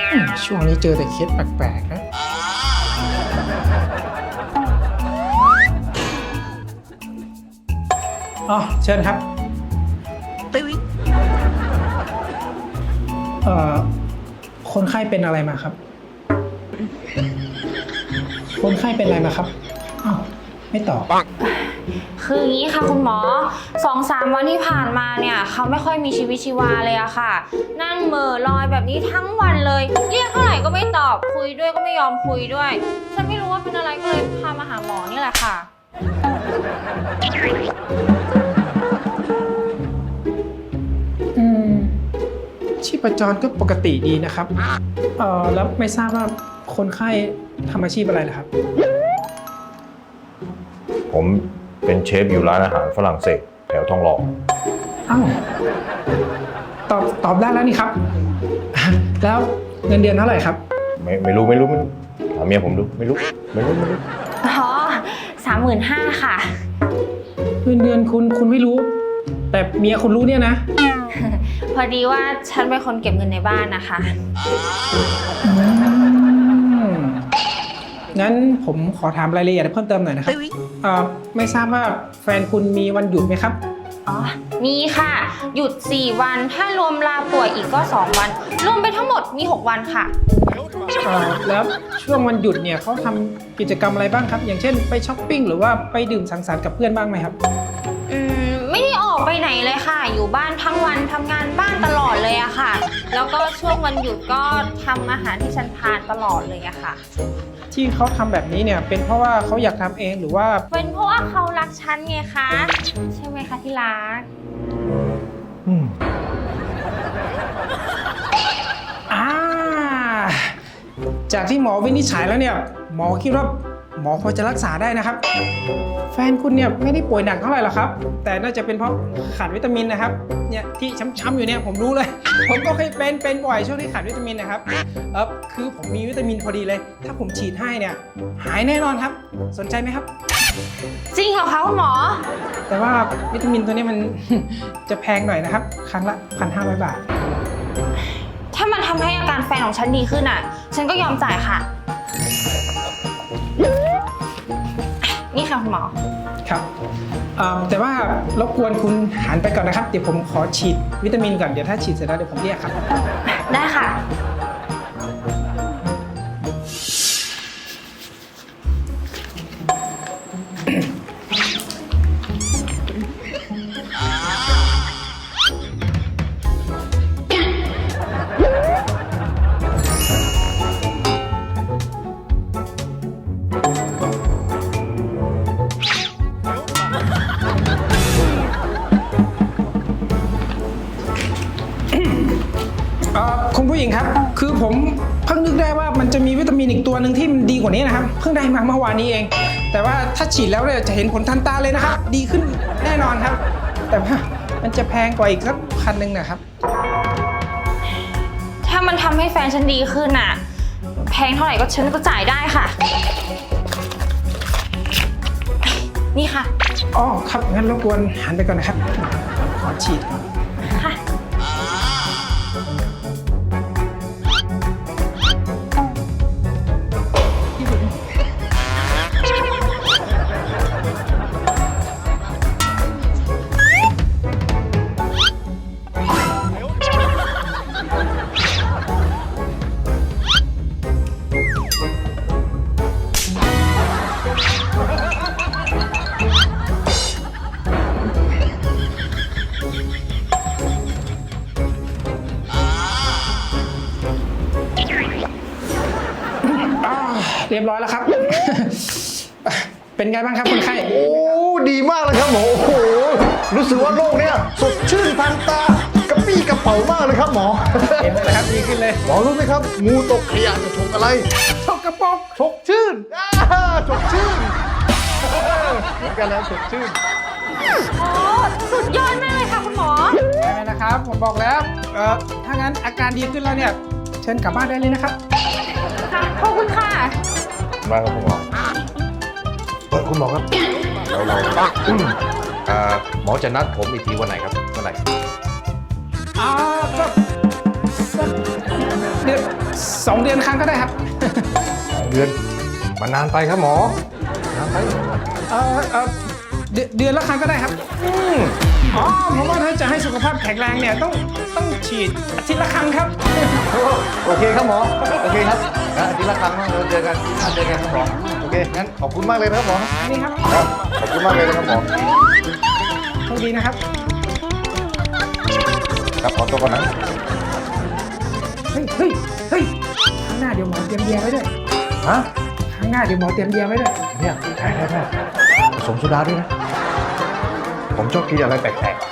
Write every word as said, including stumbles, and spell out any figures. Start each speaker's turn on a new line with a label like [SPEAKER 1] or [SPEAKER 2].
[SPEAKER 1] ช่วงนี้เจอแต่เคสแปลกๆนะอ๋อเชิญครับเอ่อคนไข้เป็นอะไรมาครับ คนไข้เป็นอะไรมาครับอ้าวไม่ตอบ
[SPEAKER 2] คืออย่างนี้ค่ะคุณหมอสองสามวันที่ผ่านมาเนี่ยเขาไม่ค่อยมีชีวิตชีวาเลยอะค่ะ นั่งเหม่อลอยแบบนี้ทั้งวันเลยเรียกเท่าไหร่ก็ไม่ตอบคุยด้วยก็ไม่ยอมคุยด้วยฉันไม่รู้ว่าเป็นอะไรก็เลยพามาหาหมอนี่แหละค่ะ
[SPEAKER 1] อืมชีพจรก็ปกติดีนะครับ เอ่อแล้วไม่ทราบว่าคนไข้ทำอาชีพอะไรล่ะครับ
[SPEAKER 3] ผมเป็นเชฟอยู่ร้านอาหารฝรั่งเศสแถวทองหล่อ
[SPEAKER 1] อ้าวตอบตอบได้แล้วนี่ครับ แล้วเงินเดือนเท่าไหร่ครับ
[SPEAKER 3] ไม่ไม่รู้ไม่รู้ไม่รู้ถามเมียผมดูไม่รู้ไม่รู้ไม่รู้
[SPEAKER 2] อ๋อสามหมื่นห้าค่ะ
[SPEAKER 1] เงินเดือนคุณคุณไม่รู้ แต่เมียคุณรู้เนี่ยนะ
[SPEAKER 2] พอดีว่าฉันเป็นคนเก็บเงินในบ้านนะคะ
[SPEAKER 1] อืมงั้นผมขอถามรายละเอียดเพิ่มเติมหน่อยนะครับเอ่อไม่ทราบว่าแฟนคุณมีวันหยุดไหมครับ
[SPEAKER 2] อ๋อ มีค่ะ หยุดสี่วัน ถ้ารวมลาป่วยอีกก็สองวัน รวมไปทั้งหมดมีหกวันค่ะ
[SPEAKER 1] เอ่อแล้วช่วงวันหยุดเนี่ยเขาทำกิจกรรมอะไรบ้างครับ อย่างเช่นไปช้อปปิ้งหรือว่าไปดื่มสังสรรค์กับเพื่อนบ้างไหมครับ
[SPEAKER 2] อืม ไม่ได้ออกไปไหนเลยค่ะ อยู่บ้านทั้งวันทำงานบ้านตลอดเลยอะค่ะ แล้วก็ช่วงวันหยุดก็ทำอาหารที่ฉันทานตลอดเลยอะค่ะ
[SPEAKER 1] ที่เขาทำแบบนี้เนี่ยเป็นเพราะว่าเขาอยากทำเองหรือว่า
[SPEAKER 2] เป็นเพราะว่าเขารักฉันไงคะ ใช่ไหมคะที่รัก
[SPEAKER 3] อืม
[SPEAKER 1] อ่าจากที่หมอวินิจฉัยแล้วเนี่ยหมอคิดว่าหมอพอจะรักษาได้นะครับ แฟนคุณเนี่ยไม่ได้ป่วยหนักเท่าไหร่หรอกครับ แต่น่าจะเป็นเพราะขาดวิตามินนะครับเนี่ยที่ช้ำๆอยู่เนี่ยผมรู้เลย ผมก็เคยเป็นเป็นบ่อยช่วงที่ขาดวิตามินนะครับเออคือผมมีวิตามินพอดีเลย ถ้าผมฉีดให้เนี่ยหายแน่นอนครับสนใจไหมครับ
[SPEAKER 2] จริงเหรอคะคุณหมอ
[SPEAKER 1] แต่ว่าวิตามินตัวนี้มัน จะแพงหน่อยนะครับ ครั้งละ หนึ่งพันห้าร้อย บาท
[SPEAKER 2] ถ้ามันทำให้อาการแฟนของฉันดีขึ้นอ่ะ ฉันก็ยอมจ่ายค่ะ นี่ค่ะคุณหมอ
[SPEAKER 1] ครับเอ่อแต่ว่ารบกวนคุณหันไปก่อนนะครับ เดี๋ยวผมขอฉีดวิตามินก่อน เดี๋ยวถ้าฉีดเสร็จแล้วเดี๋ยวผมเรียกครับ
[SPEAKER 2] ได้ค่ะ
[SPEAKER 1] เอ่อคุณผู้หญิงครับ คือผมเพิ่งนึกได้ว่ามันจะมีวิตามินอีกตัวหนึ่งที่มันดีกว่านี้นะครับ เพิ่งได้มาเมื่อวานนี้เอง แต่ว่าถ้าฉีดแล้วเนี่ยจะเห็นผลทันตาเลยนะครับ ดีขึ้นแน่นอนครับ แต่ว่ามันจะแพงกว่าอีกสักพันหนึ่งนะครับ
[SPEAKER 2] ถ้ามันทำให้แฟนฉันดีขึ้นอ่ะ แพงเท่าไหร่ก็ฉันก็จ่ายได้ค่ะ นี่ค่ะ
[SPEAKER 1] อ๋อครับงั้นรบกวนหันไปก่อนนะครับ ขอฉีด
[SPEAKER 2] ค่ะ
[SPEAKER 1] เรียบร้อยแล้วครับ เป็นไงบ้างครับคนไข้
[SPEAKER 3] โอ้ดีมากเลยครับหมอโอ้โหรู้สึกว่าโลกเนี้ยสดชื่นทันตากระปี้กระเป๋ามากเลยครับหมอ
[SPEAKER 1] เห็นไหมล่ะครับดีขึ้นเลย
[SPEAKER 3] หมอรู้ไหมครับงูตกขยะจะฉกอะไร
[SPEAKER 1] ชกกระปก
[SPEAKER 3] ฉกชื่นอ่าฉกชื่นเหมือนกันแล้วฉกชื่น
[SPEAKER 2] โอ้สุดยอดมากเลยค่ะคุณหมอ
[SPEAKER 1] ใช่ไหมนะครับ ผมบอกแล้วเอ่อถ้างั้นอาการดีขึ้นแล้วเนี่ย เชิญกลับบ้านได้เลยนะครับ
[SPEAKER 2] ค่ะ ขอบคุณค่ะ
[SPEAKER 3] มาครับคุณหมอเออคุณหมอครับเราเราเอ่อหมอจะนัดผมอีกทีวันไหนครับเมื่อไหร่
[SPEAKER 1] อ่าก็สักเดือนสองเดือนครั้งก็ได้ครับ
[SPEAKER 3] สองเดือนมันนานไปครับหมอนานไป
[SPEAKER 1] เออเออเดือนเดือนละครั้งก็ได้ครับ
[SPEAKER 3] อืม
[SPEAKER 1] อ๋อเพราะว่าถ้าจะให้สุขภาพแข็งแรงเนี่ยต้องต้องฉีดอาทิตย์ละครั้งครับ
[SPEAKER 3] โอเคครับหมอโอเคครับงั้นอาทิตย์ละครั้งเราเจอกันนัดเจอกันครับหมอโอเคงั้นขอบคุณมากเลยนะครับหมอ
[SPEAKER 1] นี่ครับ
[SPEAKER 3] ครับขอบคุณมากเลยนะครับหมอ
[SPEAKER 1] โชคดีนะครับ
[SPEAKER 3] ครับขอตัวก่อนนะ
[SPEAKER 1] เฮ้ยเฮ้ยเฮ้ยข้างหน้าเดี๋ยวหมอเตรียมเบียร์ไว้ด้วย
[SPEAKER 3] ฮะ
[SPEAKER 1] ข้างหน้าเดี๋ยวหมอเตรียมเบียร์ไว้ด้วย
[SPEAKER 3] เนี่ยแพ้แพ้แพ้ผสมโซดาด้วยนะผมชอบกินอะไรแปลกๆ